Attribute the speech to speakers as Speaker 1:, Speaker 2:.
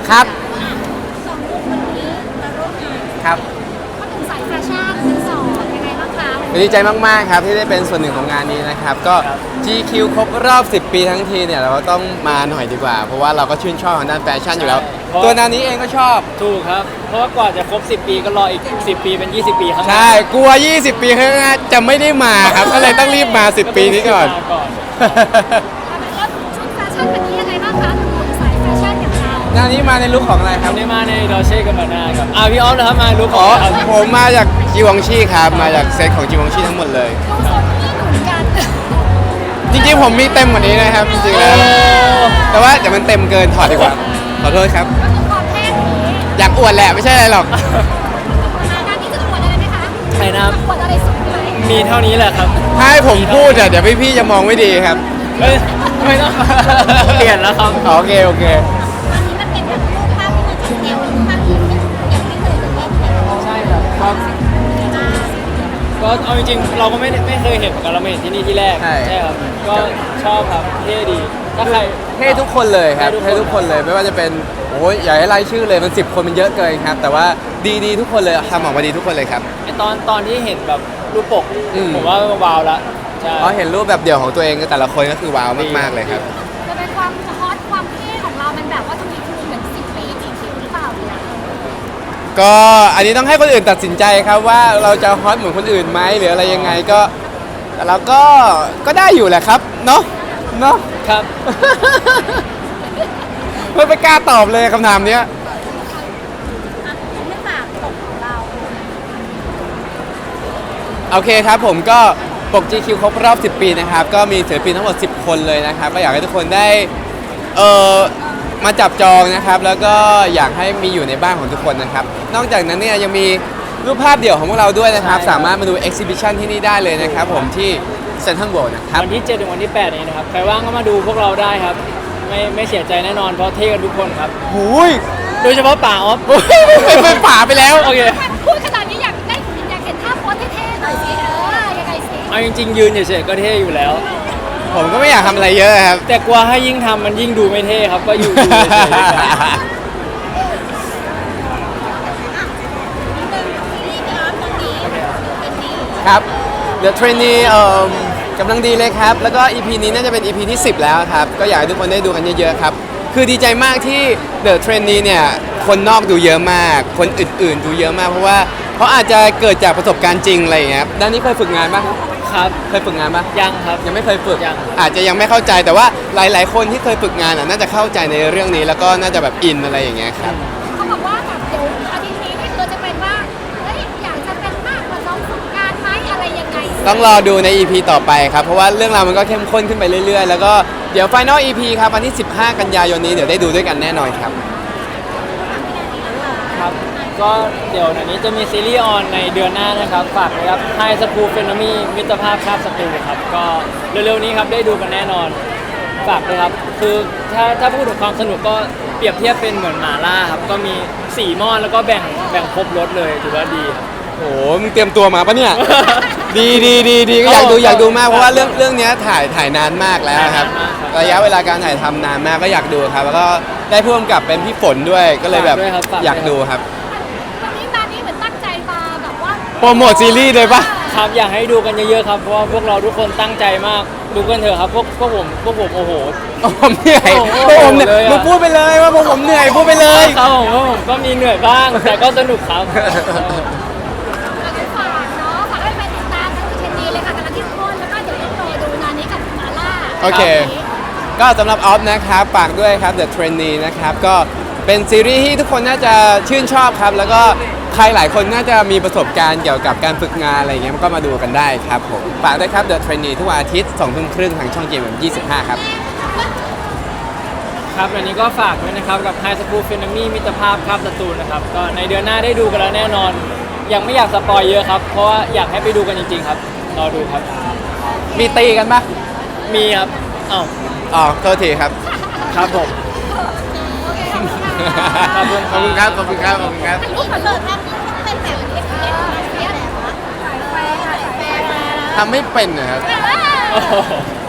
Speaker 1: ครับ
Speaker 2: สองคนวันนี้มาร่วมงาน
Speaker 1: ครับ
Speaker 2: มาถึงสายแฟชั่นทั้งสองยังไงบ้างคะ
Speaker 1: ดีใจมากๆครับที่ได้เป็นส่วนหนึ่งของงานนี้นะครับก็ GQ ครบรอบ 10 ปีทั้งทีเนี่ยเราก็ต้องมาหน่อยดีกว่า เพราะว่าเราก็ชื่นชอบทางด้านแฟชั่นอยู่แล้ว ตัวนานี้เองก็ชอบ
Speaker 3: ถูกครับ เพราะว่ากว่าจะครบ 10 ปีก็รออีก 10 ปีเป็น 20 ปีข้างหน้า
Speaker 1: ใช่กลัว 20 ปีข้างหน้าจะไม่ได้มาครับก็เลยต้องรีบมา 10 ปีนี้ก่อน
Speaker 2: แล้วชุดแฟชั่นวันนี้ยังไงบ้างคะถึงสายแฟชั่นอย่างเรา
Speaker 1: นานี้มาในลุคของอะไรค
Speaker 3: วั
Speaker 1: รับ
Speaker 3: นนี้มาในดอเช่กับมานาครับพี่ออฟนะครับมาลุคข
Speaker 1: อ๋
Speaker 3: อ
Speaker 1: อง
Speaker 3: ครับ
Speaker 1: ผมมาจากจีวองชีครับมาจากเซตของจีวองชีทั้งหมดเลย
Speaker 2: ดูโซนนี้เหมือนกัน
Speaker 1: จริงๆผมมีเต็มกว่านี้นะครับจริงๆแล้วแต่ว่าเดี๋ยวมันเต็มเกินถอดดีกว่าขอโทษครับ
Speaker 2: ก็คือความเท่นี้
Speaker 1: อยากอวดแหละไม่ใช่อะไรหรอก
Speaker 2: งานนี้จะอวดอะไรไหมคะ
Speaker 3: ใช่นะครับ
Speaker 2: อวดอะไรสุดไหม
Speaker 3: มีเท่านี้แหละครับ
Speaker 1: ถ้าให้ผมพูดอะเดี๋ยวพี่ๆจะมองไม่ดีครับ
Speaker 3: ไม่ต้อง เปลี่ยนแล้วครับ
Speaker 1: โอเคโอเค
Speaker 2: อันนี้มันเป็นแบบรูปภาพที่มันจะเดียวรูปภาพที่ยังไม่เคยเล่นเลย
Speaker 3: ใช่ครับก็เอาจริงๆเราก็ไม่เคยเห็นเหมือนกันเราไม่เห็นที่นี่ที่แรก
Speaker 1: ใช่
Speaker 3: ครับก็ชอบครับเท่ดีถ้าใคร
Speaker 1: เท่ทุกคนเลยครับ
Speaker 3: เท่
Speaker 1: เท่
Speaker 3: ทุ
Speaker 1: ทุ
Speaker 3: ก
Speaker 1: ก
Speaker 3: ค
Speaker 1: คน นเลยไม่ว่าจะเป็นโอ้ยอย่าให้ไล่ชื่อเลยมัน10 คนมันเยอะเกินครับ แต่ว่าดีๆทุกคนเลยทำออกมาดีทุกคนเลยครับ
Speaker 3: ไอ้ตอนที่เห็นแบบรูปปก
Speaker 1: อืม
Speaker 3: ผมว่าว้าวละใช่
Speaker 1: เพราะเห็นรูปแบบเดี่ยวของตัวเองแต่ละคนก็คือว้าวมากๆเลยครับ
Speaker 2: จะเป็นความฮอตความเท่ของเรามันแบบว่าจะมีคือเหมือน10 ปีจริงๆหรือเปล่าเนี่ย
Speaker 1: ก็อันนี้ต้องให้คนอื่นตัดสินใจครับว่าเราจะฮอตเหมือนคนอื่นไหมหรืออะไรยังไงก็แต่เราก็ได้อยู่แหละครับเนาะเนาะ
Speaker 3: ครับ
Speaker 1: ไม่กล้าตอบเลยคำถามเนี้ย
Speaker 2: ไม่ฝากตกของเรา
Speaker 1: โอเคครับผมก็ปก GQ ครบรอบ 10 ปีนะครับ ก็มีศิลปินทั้งหมด 10 คนเลยนะครับ ก็อยากให้ทุกคนได้มาจับจองนะครับ แล้วก็อยากให้มีอยู่ในบ้านของทุกคนนะครับ นอกจากนั้นเนี่ยยังมีรูปภาพเดี่ยวของพวกเราด้วยนะครับ
Speaker 3: ใช่ครับ
Speaker 1: สามารถมาดู exhibition ที่นี่ได้เลยนะครับผมที่เซ็นทรัลเวิลด์นะครับ
Speaker 3: วันที่7ถึงวันที่8นี้นะครับใครว่างก็มาดูพวกเราได้ครับ ไม่เสียใจแน่นอนเพราะเท่กันทุกคนครับ
Speaker 1: หูย
Speaker 3: โดยเฉพาะป่าออฟ
Speaker 1: เป็นป่าไปแล้ว
Speaker 3: โอเค
Speaker 2: พูดขนาดนี้อยากเห็นท่าโพสเท่ๆหน่อยสิยังไงสิ
Speaker 3: เอาจริงๆยืนเฉยๆก็เท่อยู่แล้ว
Speaker 1: ผมก็ไม่อยากทำอะไรเยอะครับ
Speaker 3: แต่กลัวให้ยิ่งทำมันยิ่งดูไม่เท่ครับ ก็อยู่เฉยๆครับ
Speaker 1: ครับ The Trainee กำลังดีเลยครับ แล้วก็ EP นี้น่าจะเป็น EP ที่ 10 แล้วครับ ก็อยากให้ทุกคนได้ดูกันเยอะๆครับ คือดีใจมากที่ The Trainee เนี่ย คนนอกดูเยอะมาก คนอื่นๆดูเยอะมาก เพราะว่าเขาอาจจะเกิดจากประสบการณ์จริงอะไรอย่างเงี้ยครับด้านนี้เคยฝึกงานปะ
Speaker 3: ครับ
Speaker 1: เคยฝึกงานปะ
Speaker 3: ยังครับ
Speaker 1: ยังไม่เคยฝึก
Speaker 3: ยัง
Speaker 1: อาจจะยังไม่เข้าใจ แต่ว่าหลายๆ คนที่เคยฝึกงานน่าจะเข้าใจในเรื่องนี้ แล้วก็น่าจะแบบอินอะไรอย่างเงี้ยครับ
Speaker 2: เขาบอกว่าแบบเดี๋ยวอาทิตย์นี้นี่คือจะเป็นว่าเฮ้ยอยากจะเป็นมากกว่าน้องฝึกงานไหมอะไรยังไง
Speaker 1: ต้องรอดูใน EP ต่อไปครับ เพราะว่าเรื่องราวมันก็เข้มข้นขึ้นไปเรื่อยๆ แล้วก็เดี๋ยว Final EP ครับวันที่ 15 กันยายนนี้เดี๋ยวได้ดูด้วยกันแน่นอนครับ
Speaker 3: ครับ ก็เดี๋ยวอันนี้จะมีซีรีส์ออนในเดือนหน้านะครับ ฝากเลยครับ High School Phenemy มิตรภาพคาบศัตรูครับ ก็เร็วๆนี้ครับได้ดูกันแน่นอน ฝากเลยครับ คือถ้าพูดถึงความสนุกก็เปรียบเทียบเป็นเหมือนหมาล่าครับ ก็มี4หม้อแล้วก็แบ่งครบรสเลยถือว่าดีครับ
Speaker 1: โอ้โหมึงเตรียมตัวมาปะเนี่ย ดีก็อยากดูมากเพราะว่าเรื่องเนี้ยถ่ายนานมากแล้วครับ
Speaker 3: ถ่ายนานมากครับ
Speaker 1: ระยะเวลาการถ่ายทำนานมากก็อยากดูครับ แล้วก็ได้พ่วงกับเป็นพี่ฝนด้วยก็เลยแบบ
Speaker 3: ฝากด้วยครับฝากด้วย
Speaker 1: อยากดูครับ
Speaker 2: วันนี้มานี่เหมือนตั้งใจมาแบบว่า
Speaker 1: โปรโมทซีรีส์เลยปะ
Speaker 3: ครับอยากให้ดูกันเยอะๆครับ เพราะว่าพวกเราทุกคนตั้งใจมาก ดูกันเถอะครับ พวกผมโอ้โห
Speaker 1: ผมเหนื่อย
Speaker 3: โอ้โห
Speaker 1: พวกผมเหนื่อย
Speaker 3: เลยอะ
Speaker 1: มึงพูดไปเลยว่าพวกผมเหนื่อยพูดไปเลย
Speaker 3: ครับผมก็มีเหนื่อยบ้าง แต่ก็สนุกครับ
Speaker 2: เราจะฝากเนาะฝากให้ไปติดตามทั้งเชนดีเลยค่ะกำลังเข้มข้นแล้วก็เดี๋ยวต้องรอดูงานนี้กับหมาล่า
Speaker 1: โอเค ก็สำหรับออฟนะครับฝากด้วยครับ The Trainee นะครับก็เป็นซีรีส์ที่ทุกคนน่าจะชื่นชอบครับ แล้วก็ใครหลายคนน่าจะมีประสบการณ์เกี่ยวกับการฝึกงานอะไรเงี้ยก็มาดูกันได้ครับผมฝากด้วยครับ The Trainee ทุกวันอาทิตย์ 20:30 ทางช่อง GMM25 ครับ
Speaker 3: ครับอันนี้ก็ฝากด้วยนะครับกับ High School Phenemy มิตรภาพคาบศัตรูนะครับ ก็ในเดือนหน้าได้ดูกันแล้วแน่นอน ยังไม่อยากสปอยเยอะครับ เพราะว่าอยากให้ไปดูกันจริงๆครับ รอดูครับ
Speaker 1: มีตีกันปะ
Speaker 3: มีครับอ้าว
Speaker 1: อ๋อโทษทีครับ
Speaker 3: ครับผม
Speaker 2: โอเคขอบคุณค่ะ
Speaker 3: ขอบคุณครับ
Speaker 1: ขอบคุณครับ ขอบคุณครับ
Speaker 2: ถ่ายรูปก่อนเลยภาพนี้ต้องเป็นแบบเอฟเอฟแบบว่าถ่ายแฟร์ถ่ายแฟร์
Speaker 1: ทำไม่เป็นนะครับ
Speaker 2: อ่า